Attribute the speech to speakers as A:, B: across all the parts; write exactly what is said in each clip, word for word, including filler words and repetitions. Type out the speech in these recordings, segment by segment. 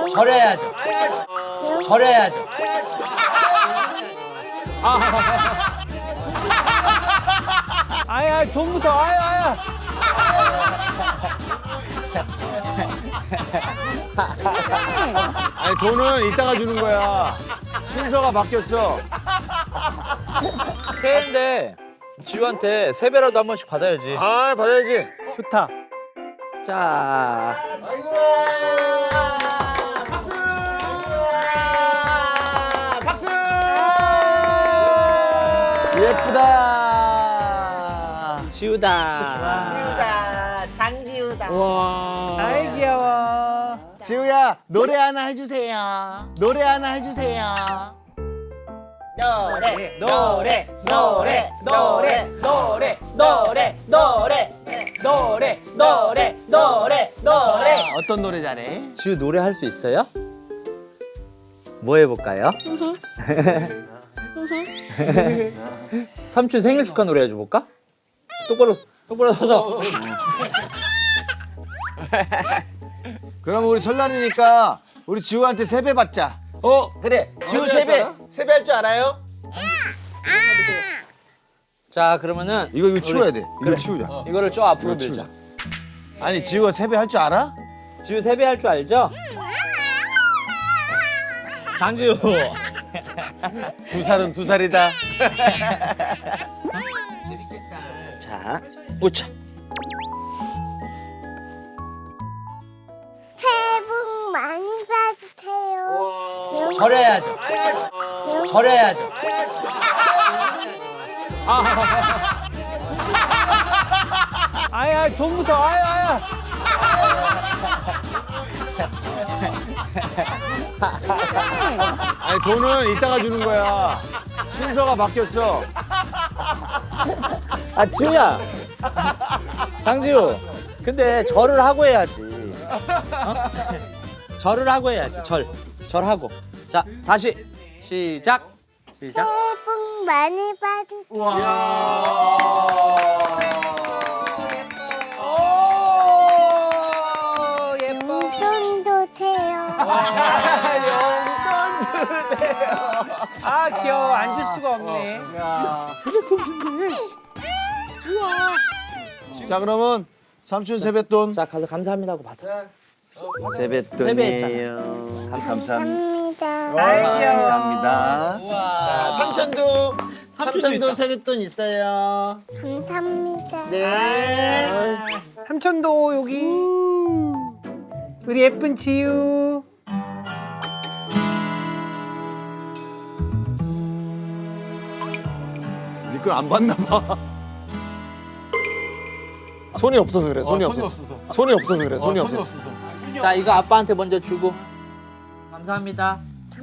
A: 절해야죠. 절해야죠.
B: 아야 돈부터 아야 아야.
C: 아니 돈은 이따가 주는 거야. 순서가 바뀌었어.
A: 새해인데 지우한테 세배라도 한 번씩 받아야지.
D: 아 받아야지.
B: 좋다.
A: 자,
C: 박수! 박수! 예쁘다.
A: 지우다.
E: 지우다 장지우다.
B: 아이 귀여워.
C: 지우야 노래 하나 해주세요. 노래 하나 해주세요.
E: 노래 노래 노래 노래 노래 노래 노래 노래 노래 노래 노래.
C: 어떤 노래 잘해?
A: 지우 노래 할 수 있어요? 뭐 해볼까요? 삼촌 생일 축하 노래 해줘볼까? 똑바로 똑바로 서서.
C: 그럼 우리 설날이니까 우리 지우한테 세배 받자.
D: 어
E: 그래 지우
D: 어디 할
E: 세배
D: 줄 알아?
E: 세배 할 줄 알아요?
A: 자, 그러면은
C: 이거 이거 치워야 돼. 이거
A: 그래.
C: 치우자.
A: 이거를 저 앞으로
C: 이거 치우자.
A: 밀자.
C: 아니 지우가 세배 할 줄 알아?
A: 지우 세배 할 줄 알죠? 장지우.
C: 두 살은 두 살이다.
A: 자, 오차.
F: 새해 복 많이 받으세요.
A: 절해야죠. 절해야죠.
B: 아야 돈부터 아야 아야.
C: 아니 돈은 이따가 주는 거야. 순서가 바뀌었어.
A: 아, 지우야. 장지우. 근데 절을 하고 해야지. 어? 절을 하고 해야지. 절. 절하고. 자, 다시 시작. 시작.
F: 새해 복 많이 받으세요.
B: 오 예뻐.
F: 용돈도 돼요.
B: 아 귀여워. 안 줄 수가 없네.
C: 자 그러면 삼촌 세뱃돈.
A: 자, 가서 감사합니다 하고 받아.
C: 세뱃돈이에요. 감사합니다.
F: 감사합니다.
B: 아이 귀여워.
C: 감사합니다.
A: 우와.
E: 삼촌도 삼촌도
A: 있다.
E: 세뱃돈 있어요.
F: 감사합니다.
E: 네.
B: 삼촌도 여기. 우리 예쁜 지우.
C: 니 걸 안 받나 봐.
D: 손이 없어서 그래. 손이, 없어서. 손이 없어서 그래. 손이 없어서.
A: 자, 이거 아빠한테 먼저 주고. 감사합니다.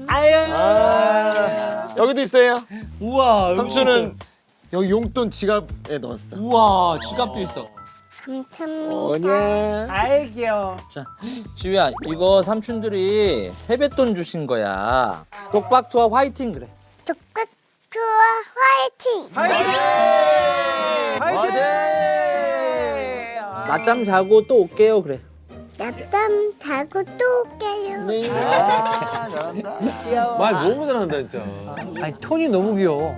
D: 아, 여기도 있어요.
A: 우와. 여기
D: 삼촌은 여기 용돈 지갑에 넣었어.
A: 우와, 지갑도 있어.
F: 감사합니다.
D: 뭐냐?
B: 아이 귀여워.
A: 자, 지우야, 이거 삼촌들이 세뱃돈 주신 거야. 독박투와 화이팅 그래.
F: 독박 투어 화이팅!
B: 화이팅! 화이팅!
A: 낮잠 자고 또 올게요 그래.
F: 낮잠 자고 또 올게요.
C: 아 잘한다.
D: 말 너무 잘한다 진짜.
B: 아니 톤이 너무 귀여워.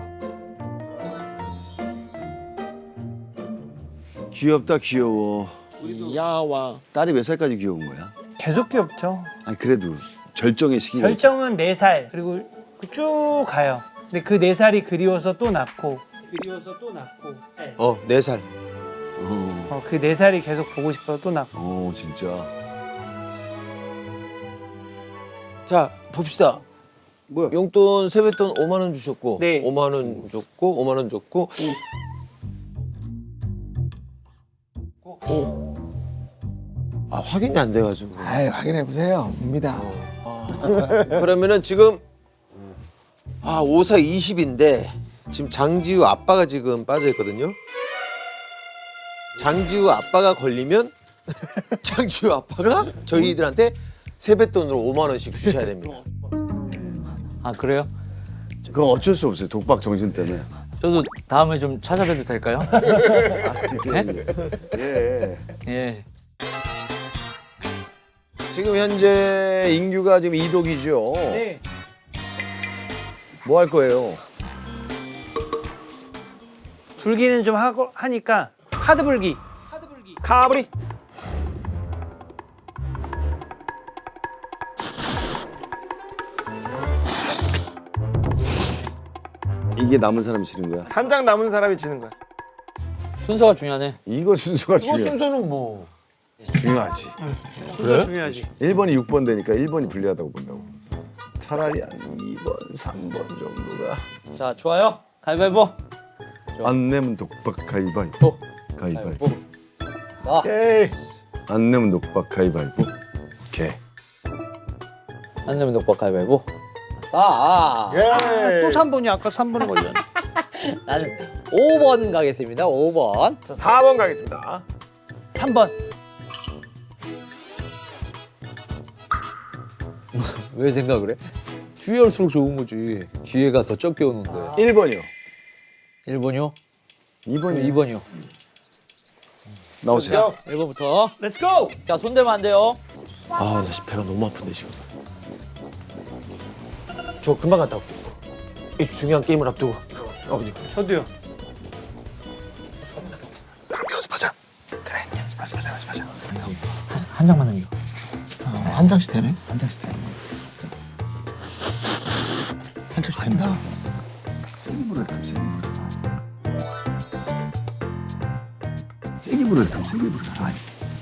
C: 귀엽다 귀여워.
D: 야와.
C: 딸이 몇 살까지 귀여운 거야?
B: 계속 귀엽죠.
C: 아니 그래도 절정의 시기가
B: 결정은 네 살 그리고 쭉 가요. 근데 그 네 살이 그리워서 또 낳고 그리워서 또 낳고
D: 어, 네 살.
C: 어,
B: 어, 그 네 살이 계속 보고 싶어서 또 낳고.
C: 어 진짜.
D: 자, 봅시다.
C: 뭐야?
D: 용돈 세뱃돈 오만 원 주셨고
B: 네.
D: 오만 원 줬고 오만 원 줬고 오. 아, 확인이 안 돼 가지고.
G: 아이 확인해 보세요. 옵니다.
D: 그러면은 지금 아, 오사 이십인데 지금 장지우 아빠가 지금 빠져 있거든요. 장지우 아빠가 걸리면 장지우 아빠가 저희들한테 세뱃돈으로 오만 원씩 주셔야 됩니다.
A: 아 그래요?
C: 그건 어쩔 수 없어요. 독박 정신 때문에.
A: 저도 다음에 좀 찾아뵈도 될까요?
C: 예.
A: 예.
D: 지금 현재 인규가 지금 이독이죠.
B: 네.
D: 뭐 할 거예요?
B: 불기는 좀 하고 하니까 카드 불기.
H: 카브리.
C: 이게 남은 사람이 지는 거야.
H: 한 장 남은 사람이 지는 거야.
A: 순서가 중요하네.
C: 이거 순서가
D: 이거
C: 중요해.
D: 순서는 뭐?
C: 중요하지.
B: 순서 중요하지.
C: 일 번이 육 번 되니까 일 번이 불리하다고 본다고. 차라리 한 이 번, 삼 번 정도가.
A: 자, 좋아요. 가위바위보.
C: 안 내면 독박 가위바위보.
A: 보.
C: 가위바위보.
A: 싸.
H: 에이.
C: 안 내면 독박 가위바위보. 오케이.
A: 안 내면 독박 가위바위보. 싸.
H: 예.
B: 또 삼 번이 아까 삼 번에 걸렸네.
A: 나는 오 번 가겠습니다. 오 번.
H: 자, 사 번 가겠습니다.
B: 삼 번.
A: 왜 생각을 해? 뒤에 올수록 좋은 거지. 기회가 더 적게 오는데.
C: 일 번이요.
A: 일 번이요?
C: 이 번이요.
A: 이 번이요.
C: 나오세요.
A: 일 번부터.
B: 렛츠 고.
A: 자, 손대면 안 돼요.
D: 아, 나 지금 배가 너무 아픈데 지금. 저 금방 갔다 올게요. 이 중요한 게임을 앞두고. 아버님.
B: 저도요.
G: 그럼 연습하자. 그래, 연습하자, 연습하자, 연습하자.
A: 한 장만 남겨.
G: 어, 한 장씩 되네. 한 장씩 되네. 한 장씩 된다. 세게 불어야 돼, 세게 불어. 세게 불어야 돼, 세게 불어. 아니.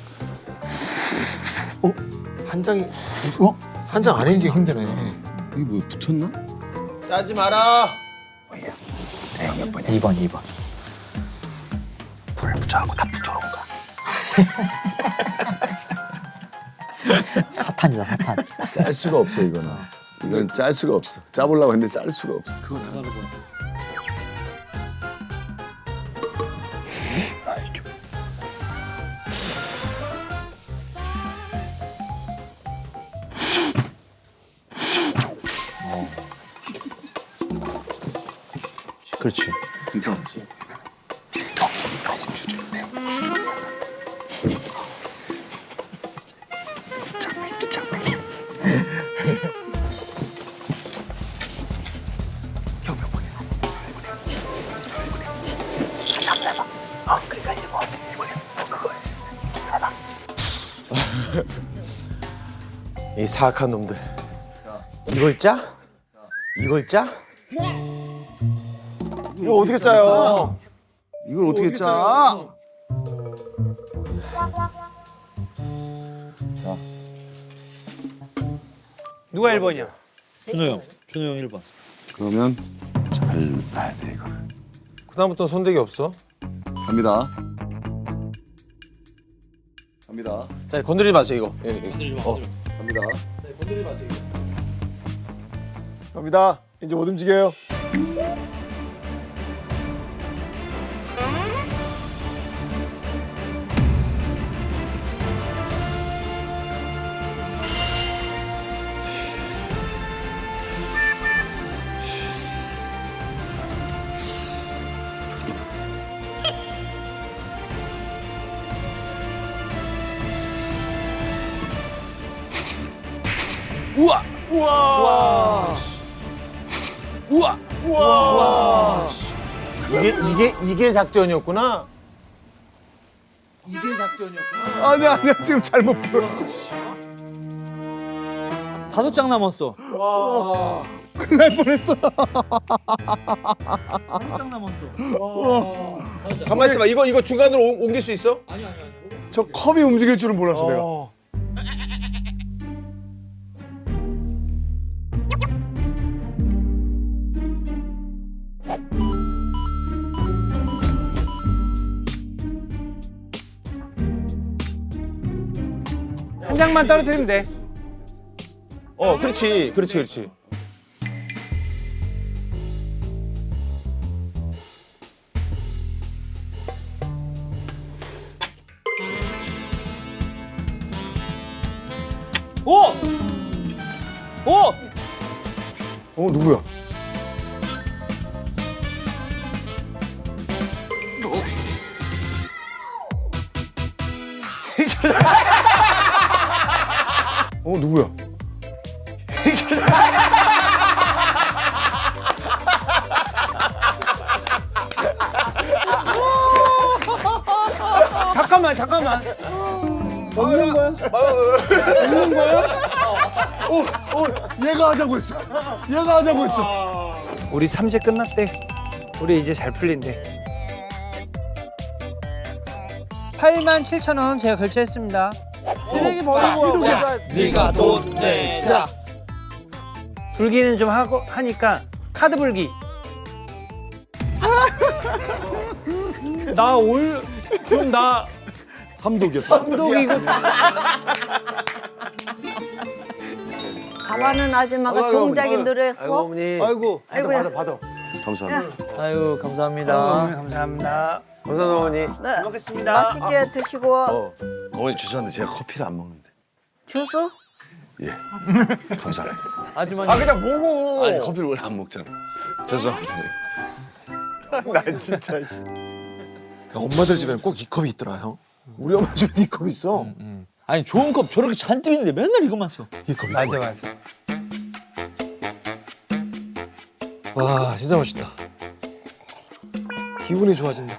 D: 한 장이
G: 어?
D: 한 장 안 한게 힘드네.
C: 이게 뭐 붙었나?
D: 짜지 마라.
A: 이 번, 이 번.
G: 불 붙여갖고 다 붙여놓은가.
A: 사탄이다, 사탄.
C: 짤 수가 없어 이거는. 이건 짤 수가 없어. 짜보려고 했는데 짤 수가 없어. 그거 나.
A: 그렇지.
G: 이거.
D: 이 사악한 놈들. 이걸 짜? 이걸 짜?
H: 이거 어떻게 짜요?
C: 이걸 어떻게 짜?
B: 누가 일 번이야?
A: 준호 형. 준호 형 일 번.
C: 그러면 잘 놔야 돼 이거를.
D: 그다음부터 손대기 없어.
C: 갑니다. 갑니다.
D: 자, 건드리지 마세요 이거. 예, 예. 어.
C: 갑니다.
H: 갑니다. 이제 못 움직여요.
D: 우와!
H: 우와.
D: 우와!
H: 우와.
D: 이게 이게 이게 작전이었구나. 이게 작전이었구나.
C: 아니야 아니야 지금 잘못 풀었어.
A: 다섯 장 남았어.
C: 큰일 날 뻔했다.
A: 다섯 장 남았어.
D: 가만 있어봐. 이거 이거 중간으로 옮- 옮길 수 있어?
A: 아니, 아니, 아니.
C: 저 컵이 움직일 줄은 몰랐어 내가.
H: 어.
B: 한 장만 떨어뜨리면 돼.
D: 어, 그렇지, 그렇지, 그렇지.
A: 오! 오!
C: 어 누구야? 어 누구야?
B: 잠깐만 잠깐만. 없는 거야? 없는 거야?
C: 어, 어, 얘가 하자고 했어. 얘가 하자고 했어.
B: 우리 삼재 끝났대. 우리 이제 잘 풀린대. 팔만 칠천 원 제가 결제했습니다. 쓰레기 버리고
A: 네가 돈 내자.
B: 불기는 좀 하고 하니까 카드 불기. 나 올 그럼 나
C: 삼독이야. 삼독.
B: 감독이고
I: 가만은 아줌마가
C: 아이고,
I: 동작이
C: 아이고.
D: 아이고
I: 늘었어.
D: 어머니.
B: 아이고
I: 아이고야.
D: 받아 받아.
C: 감사합니다.
A: 아유 감사합니다.
B: 어머니 감사합니다.
D: 감사합니다 어머니.
I: 네.
B: 잘 먹겠습니다.
I: 맛있게 드시고
D: 어.
C: 어머니 죄송한데 제가 커피를 안 먹는데.
I: 주스?
C: 예. 감사합니다.
A: 아주머니.
D: 아 그냥 보고.
C: 아니 커피를 원래 안 먹잖아. 죄송합니다.
H: 난 진짜. 야, 엄마들 집에는 꼭 이 컵이 있더라 형. 우리 엄마 집에 이 컵 있어.
A: 아니 좋은 컵 저렇게 잔뜩 있는데 맨날 이것만 써.
H: 이 컵.
B: 맞아 맞아.
H: 와 진짜 맛있다. 기분이 좋아진다.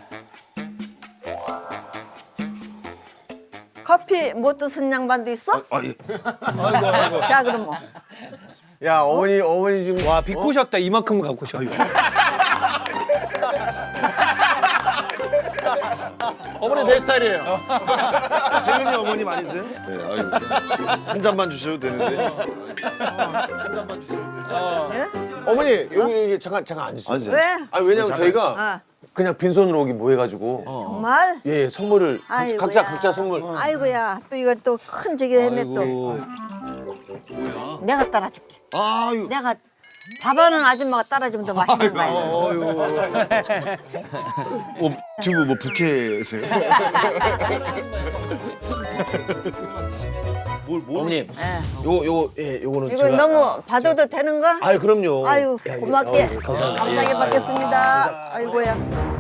I: 커피 못 드신 양반도 있어?
C: 아 예.
I: 자 그럼 뭐.
D: 야 어머니 어머니 지금
B: 와 비꼬셨다. 이만큼 갖고 셨다.
H: 어머니 내 스타일이에요.
C: 세윤이 어머님 아니세요? 네. 아유. 한 잔만 주셔도 되는데. 한 잔만 주셔도 되는데.
I: 예?
D: 어머니 여기 여기 잠깐 잠깐 앉으세요.
C: 앉으세요.
I: 왜?
D: 아 왜냐면 저희가
I: 어.
D: 그냥 빈손으로 오기 뭐 해가지고
I: 정말?
D: 예, 예 선물을 각-
I: 아이고야.
D: 각자 각자 선물.
I: 아이고야 또 이거 또 큰 저기 했네 또. 내가 따라줄게.
C: 아유.
I: 내가 밥하는 아줌마가 따라주면 더 맛있는 거야.
C: 어, 두부 뭐 부캐세요?
D: 어머님
I: 예.
D: 요거 요거 예 요거는
I: 이거
D: 제가
I: 너무 받아도 되는가?
D: 아유 그럼요.
I: 아유
D: 야, 예,
I: 고맙게
D: 어, 예, 감사합니다.
I: 감사하게
D: 예.
I: 받겠습니다. 아이고야.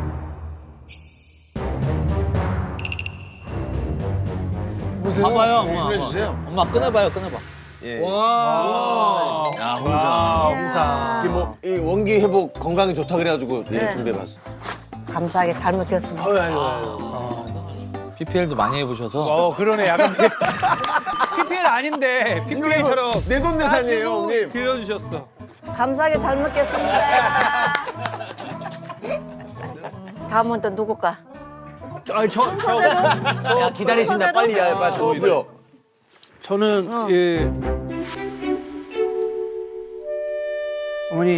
A: 봐봐요 엄마. 엄마.
C: 주세요.
A: 엄마 끊어봐요 끊어봐.
D: 예.
C: 야 홍사.
I: 이야.
D: 이게 뭐이 원기 회복 건강에 좋다 그래가지고 예,
I: 네.
D: 준비해봤어.
I: 감사하게 잘 먹겠습니다.
D: 아유 아유 아유.
A: 피피엘도 많이 해보셔서.
B: 어 그러네. 약간 피피엘 아닌데 피피엘처럼
D: 내돈내산이에요 어머님.
B: 빌려주셨어.
I: 감사하게 잘 먹겠습니다. 다음은 또 누굴까?
B: 아니 저, 저
D: 야 기다리신다 빨리 야 빨리 저 주려.
B: 저는 예 어머니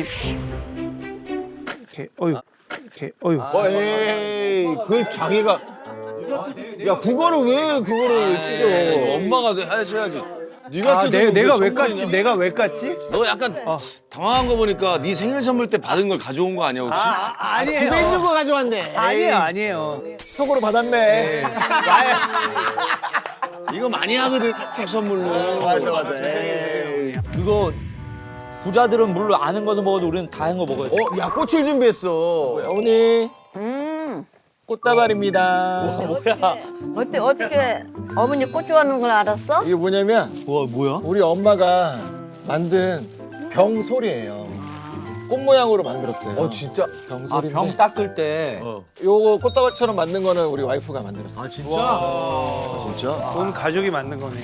B: 이렇게 어유 이렇게 어유.
D: 어 에이 그걸 자기가 야 그거를 왜 그거를 찢어.
C: 엄마가 하셔야지. 네가
B: 아,
C: 뜯은
B: 내,
C: 거
B: 내가
C: 왜
B: 왜 깠지?
C: 선물이냐?
B: 내가 왜 깠지?
C: 너 약간 당황한 거 보니까 네 생일 선물 때 받은 걸 가져온 거 아니야 혹시?
B: 아니에요.
D: 집에 있는 거 가져왔네.
B: 아니에요, 아니에요.
H: 속으로 받았네.
C: 이거 많이 하거든 탁 선물로.
D: 맞아 맞아.
A: 이거 부자들은 물론 아는 거서 먹어도 우리는 다 한 거 먹어야 돼.
D: 어야 꽃을 준비했어.
H: 어머니
I: 음.
H: 꽃다발입니다.
A: 뭐야?
I: 어때 어떻게 어머니 꽃 좋아하는 걸 알았어?
H: 이게 뭐냐면
A: 와 뭐야?
H: 우리 엄마가 만든 병소리예요. 꽃 모양으로 만들었어요.
D: 어 진짜.
A: 아,
H: 병소리인데
A: 병 닦을 때.
H: 요거 꽃다발처럼 만든 거는 우리 와이프가 만들었어요.
A: 아 진짜?
C: 진짜?
B: 온 가족이 만든 거네.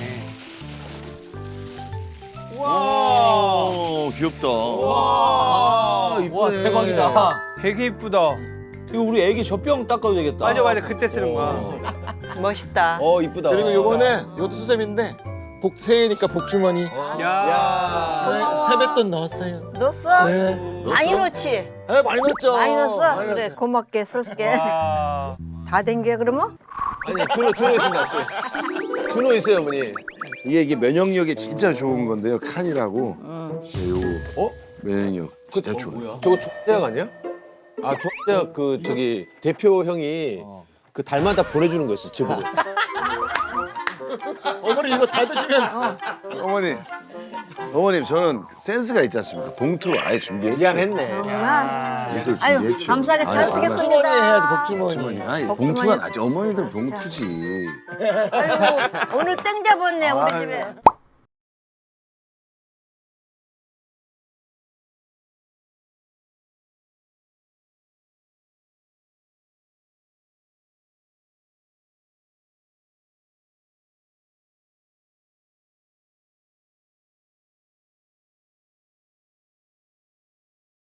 C: 와 귀엽다.
A: 와, 와 대박이다.
B: 되게 이쁘다.
A: 이거 우리 애기 젖병 닦아도 되겠다.
B: 맞아, 맞아. 그때 쓰는 거야.
I: 멋있다.
D: 어 이쁘다.
H: 그리고 요거는 요것도 수세미인데 복 새해니까 복주머니.
B: 야.
H: 네, 세뱃돈 넣었어요.
I: 넣었어?
H: 네.
I: 많이 넣지?
H: 네, 많이 넣었죠.
I: 많이 넣었어?
H: 많이
I: 그래
H: 넣었어요.
I: 고맙게 쓸게.
B: 와.
I: 다 댕겨 그러면?
D: 아니 준호 준호 있습니다. 저. 준호 있어요 어머니.
C: 이게 이게 면역력에 진짜 좋은 건데요. 칸이라고. 네, 요거.
D: 어?
C: 면역력 진짜 좋아요.
D: 저거 조대학 아니야? 아 조대학 그 저기 대표 형이 그 달마다 보내주는 거 있어 집으로.
H: 어머니 이거 다 드시면
C: 어머니, 어머님 저는 센스가 있지 않습니까? 봉투를 아예 준비했죠.
D: 미안했네.
I: 정말?
C: 봉투를
I: 아유
C: 준비했죠.
I: 감사하게 잘
C: 아유,
I: 쓰겠습니다.
H: 복주머니 해야지 복주머니.
C: 복주머니. 아니
I: 복주머니.
C: 봉투가 나지. 어머니들 봉투지.
I: 아이고 오늘 땡 잡았네 우리
C: 아유.
I: 집에.